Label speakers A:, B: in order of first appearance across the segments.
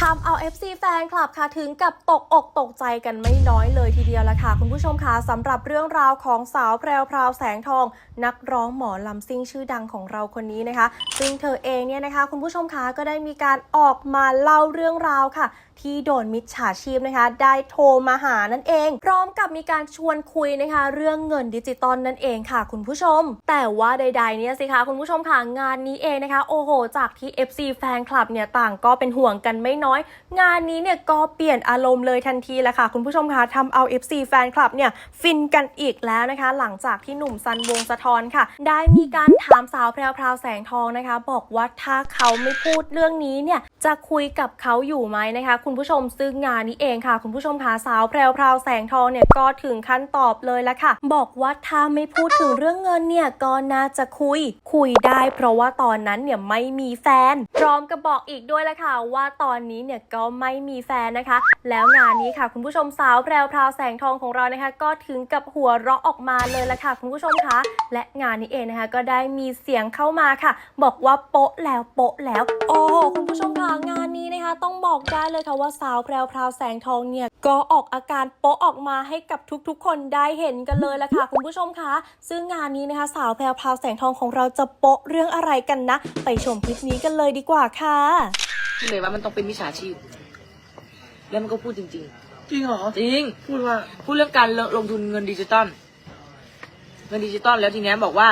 A: ำเอา FC แฟนคลับค่ะถึงกับตกอกตกใจกันไม่น้อยเลยทีเดียวละค่ะคุณผู้ชมคะสำหรับเรื่องราวของสาวแพรวพราวแสงทองนักร้องหมอลำซิ่งชื่อดังของเราคนนี้นะคะซึ่งเธอเองเนี่ยนะคะคุณผู้ชมคะก็ได้มีการออกมาเล่าเรื่องราวค่ะที่โดนมิจฉาชีพนะคะได้โทรมาหานั่นเองพร้อมกับมีการชวนคุยนะคะเรื่องเงินดิจิตอลนั่นเองค่ะคุณผู้ชมแต่ว่าใดๆเนี่ยสิคะคุณผู้ชมค่ะงานนี้เองนะคะโอ้โหจากที่ FC แฟนคลับเนี่ยต่างก็เป็นห่วงกันไม่น้อยงานนี้เนี่ยก็เปลี่ยนอารมณ์เลยทันทีแหละค่ะคุณผู้ชมค่ะทำเอา FC แฟนคลับเนี่ยฟินกันอีกแล้วนะคะหลังจากที่หนุ่มซันวงศ์สะท้อนค่ะได้มีการถามสาวแพรวพราวแสงทองนะคะบอกว่าถ้าเขาไม่พูดเรื่องนี้เนี่ยจะคุยกับเขาอยู่ไหมนะคะคุณผู้ชมซึ่งงานนี้เองค่ะคุณผู้ชมค่ะสาวแพรวพราวแสงทองเนี่ยก็ถึงขั้นตอบเลยละค่ะบอกว่าถ้าไม่พูดถึงเรื่องเงินเนี่ยก็น่าจะคุยได้เพราะว่าตอนนั้นเนี่ยไม่มีแฟนพร้อมกับบอกอีกด้วยละค่ะว่าตอนนี้เนี่ยก็ไม่มีแฟนนะคะแล้วงานนี้ค่ะคุณผู้ชมสาวแพรวพราวแสงทองของเรานะคะก็ถึงกับหัวเราะออกมาเลยละค่ะคุณผู้ชมคะและงานนี้เองนะคะก็ได้มีเสียงเข้ามาค่ะบอกว่าโป๊ะแล้วโอ้โหคุณผู้ชมค่ะงานนี้นะคะต้องบอกได้เลยค่ะว่าสาวแพรวพราวแสงทองเนี่ยก็ออกอาการโป๊ะออกมาให้กับทุกๆคนได้เห็นกันเลยละค่ะคุณผู้ชมคะซึ่งงานนี้นะคะสาวแพรวพราวแสงทองของเราจะโป๊ะเรื่องอะไรกันนะไปชมคลิปนี้กันเลยดีกว่าค่ะ
B: เลยว่ามันต้องเป็นมิจฉาชีพแล้วมันก็พูดจริง
C: จริงเหรอ
B: จริง
C: พูด
B: เรื่องการลงทุนเงินดิจิตอลแล้วทีนี้บอกว่า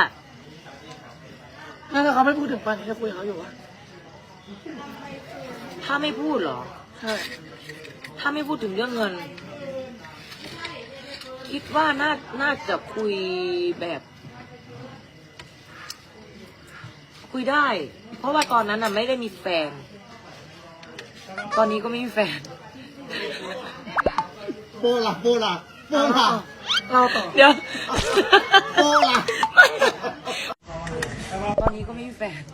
C: ถ้าเขาไม่พูดถึงปันจะคุยกับเขาอยู่วะ
B: ถ้าไม่พูดเหรอ
C: ใช่
B: ถ้าไม่พูดถึงเรื่องเงินคิดว่าน่าจะคุยแบบคุยได้เพราะว่าตอนนั้นน่ะไม่ได้มีแฟนตอนนี้ก็ไม่มีแฟน
D: โปล่ะ
C: เราต่อ
B: เดี๋ยว
D: โปล่ะ
B: ตอนนี้ก็ไม่มีแฟน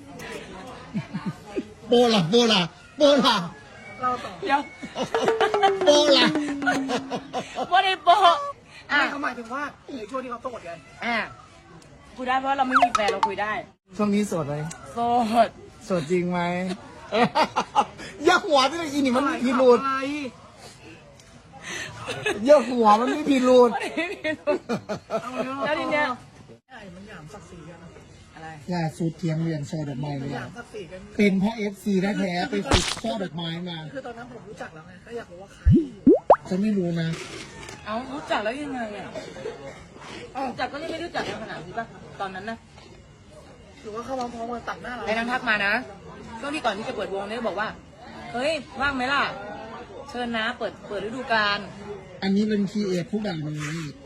D: โปล่ะ
C: เราต่อ
B: เดี๋ยว
D: โปล่ะ
B: ว่าได้โป
C: ไม่เขาหมายถึงว่าในช่วงที่เขาโสดไง
B: คุยได้เพราะเราไม่มีแฟนเราคุยได้
D: ช่วงนี้โสดไหมโสดจริงไหมอย่าหัวที่อีนี่มันพิรุธอย่าหัวมันไม่พิรุธ
B: แล้วทีเนี้ย
C: มันหยามศักดิ์ศรีกัน
B: อะไร
D: ล่าสุดเทียงเรียนช่อดอกไม้เลย
C: เ
D: ป็นเพราะ FC แท้ๆไปฝึกช่อดอกไม้มา
C: คือตอนนั้นผมรู้จักแล้วไงก็อยากรู้ว่าใคร
D: จะไม่รู้นะ
B: เอารู้จักแล้วยังไงรู้จักก็ไม่รู้จักในขนาดนี้ป่ะตอนนั้นนะ
C: หรือว่าเขาพร้อมมาตัดหน้าเรา
B: ไอ้นางทักมานะช่วงที่ก่อนที่จะเปิดวงเนี่ยบอกว่าเฮ้ยว่างไหมล่ะเชิญนะเปิดฤดูกาล
D: อันนี้เป็นคีเอทผู้บ่าวเลย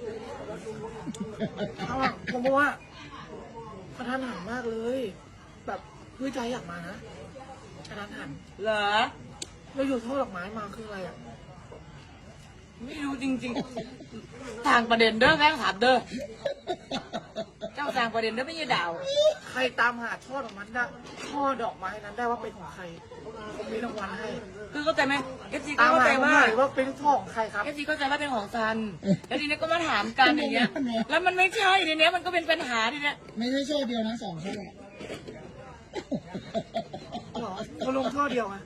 C: ผมบอกว่าประธานหันมากเลยแบบคือใจอยากมานะประธานหัน
B: เหรอ
C: เราอยู่ท่อดอกไม้มาคืออะไรอ่ะ
B: ไม่รู้จริงๆทางประเด็นเด้อแม่งถามเด้อเจ้าทางประเด็นเด้อไม่ใช่ดาว
C: ใครตามหาช่อดอกไม้ได้ช่อดอกไม้นั้นได้ว่าเป็นของใครผมมีรางวัลให้
B: คือเข้าใจไหมเอฟซี
C: เข้า
B: ใจ
C: ว่าเป็นช่อของใครครับ
B: เอฟซีเข้าใจว่าเป็นของซันแล้วทีนี้ก็มาถามกันอย่างเงี้ยแล้วมันไม่ใช่ทีเนี้ยมันก็เป็นปัญหาทีเนี้ย
D: ไม่ใช่ช่อเดียวนะ2 ช่อ
C: หรอเขาลงช่อเดียวไง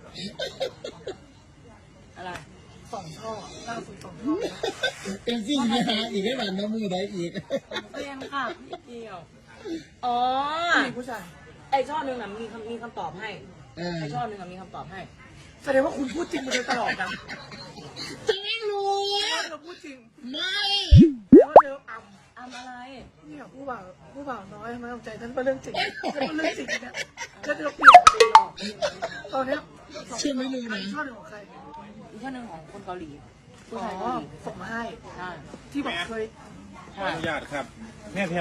B: อะไร
C: 2 ช่อล่าสุด2 ช่อ
D: เอ็มซีมีหาอีกให้หลานน้ำมือได้อีก
B: เรียนค่ะนิดเดียวอ๋อ
C: ผู้ชาย
B: ไอช่อหนึ่งน่ะมีคำตอบให้ไอช่อหนึ่งน่ะมีคำตอบให้
C: แสดงว่าคุณพูดจริงมาโดยตลอดนะ
D: จะไม่รู้
C: เราพูดจริง
D: ไม่
C: แล้วเธอ
B: อำอะไร
C: เนี่ยผู้บ่าวน้อยมาใจฉันเป็นเรื่องจริงฉันเป็นเรื่องจริงเนี่ยฉันจะเปลี่ยนไปหรอกตอนนี้
D: เชื่อไม่รู้นะ
C: ช่อหนึ่งของใคร
B: อีกช่อหนึ่งของคนเกาหลีผู้ชาย
C: ส่งมาให้ที่บอกเคย
E: อนุญาตครับแม่